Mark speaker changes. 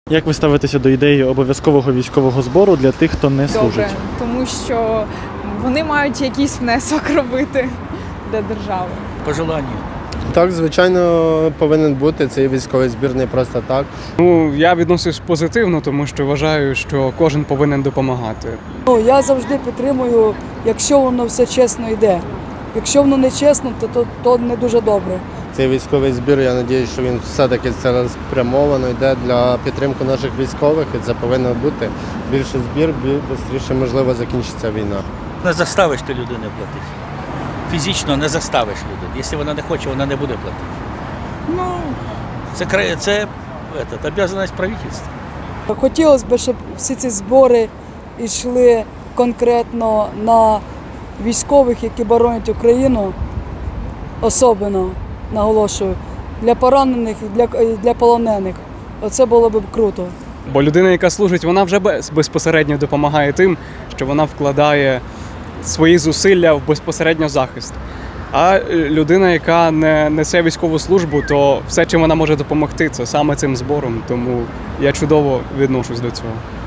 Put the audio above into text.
Speaker 1: Як ви ставитеся до ідеї обов'язкового військового збору для тих, хто не служить?
Speaker 2: Добре, тому що вони мають якийсь внесок робити для держави.
Speaker 3: По желанню.
Speaker 4: Так, звичайно, повинен бути цей військовий збір не просто так.
Speaker 5: Ну, я відношусь позитивно, тому що вважаю, що кожен повинен допомагати.
Speaker 6: Я завжди підтримую, якщо воно все чесно йде. Якщо воно не чесно, то не дуже добре.
Speaker 4: Цей військовий збір, я сподіваюся, що він все-таки цілеспрямовано йде для підтримки наших військових, і це повинно бути більше збір, швидше, можливо, закінчиться війна.
Speaker 3: Не заставиш ти людину платити. Фізично не заставиш людину. Якщо вона не хоче, вона не буде платити. Ну, це обов'язаність правительства.
Speaker 6: Хотілося б, щоб всі ці збори йшли конкретно на військових, які боронять Україну, особливо, наголошую, для поранених і для полонених. Оце було б круто.
Speaker 5: Бо людина, яка служить, вона вже безпосередньо допомагає тим, що вона вкладає свої зусилля в безпосередньо захист. А людина, яка не несе військову службу, то все, чим вона може допомогти, це саме цим збором. Тому я чудово відношусь до цього.